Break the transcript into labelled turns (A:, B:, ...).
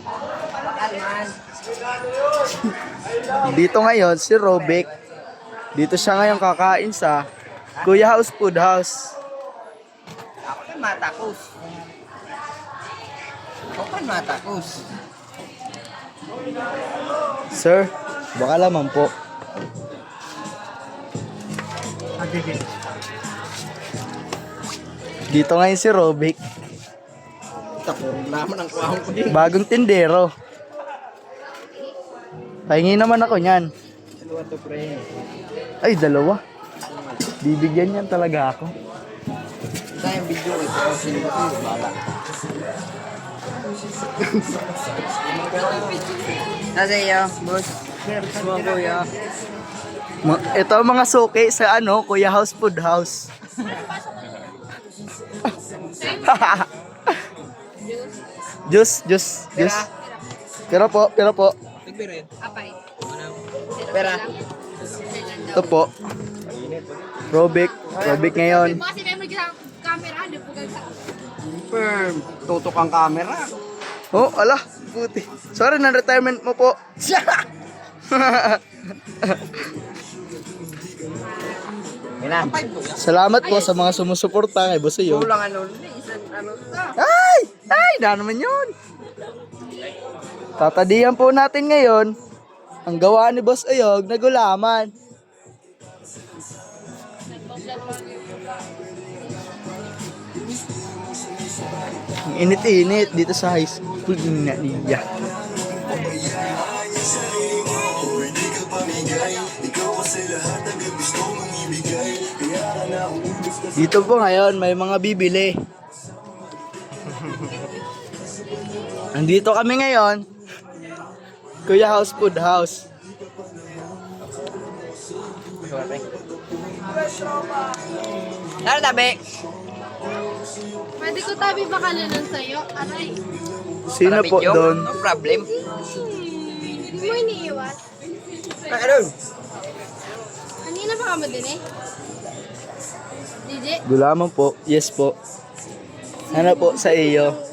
A: Dito ngayon si Robic. Dito siya ngayon kakain sa Kuya House Food House.
B: Ako kan matakos. Ako kan matakos.
A: Sir, baka lamang po. Dito ngayon si Robic.
B: Tapos naman ang kuwang ko din.
A: Bagong tindero. Pahingi naman ako niyan.
B: Dalawa to pre.
A: Ay, dalawa. Bibigyan niyan talaga ako.
B: Ito yung video ko. Ito yung sino ko yung bala. Nasa iyo, boss. Mga kuya.
A: Ito ang mga suki sa ano, Kuya House Food House. Juice. Pero po.
C: Apay.
B: Pera.
A: Ito po. Robic ngayon.
C: Kasi meron sa camera, di po gagsa.
B: Firm. Tutok ang camera.
A: Oh, ala, buti. Sorry, na-retirement mo po.
B: Ilan?
A: Salamat po sa mga sumusuporta kay Boss Uyog.
B: Kulang ano. Isang ano to.
A: Ay, na naman yun. Tatadiyan po natin ngayon ang gawa ni Boss Uyog na gulaman. Ang init-init dito sa high school na niya. Dito po ngayon may mga bibili. Andito kami ngayon, Kuya House Food House.
B: Ano tabi?
C: Pwede ko tabi baka nun sa'yo. Aray.
A: Sino po
B: Video?
A: doon?
B: No problem.
C: Hindi mo iniiwan.
B: Ano?
C: Kanina pa ka mo din eh. DJ?
A: Gulaman po. Yes po. Ano po sa iyo?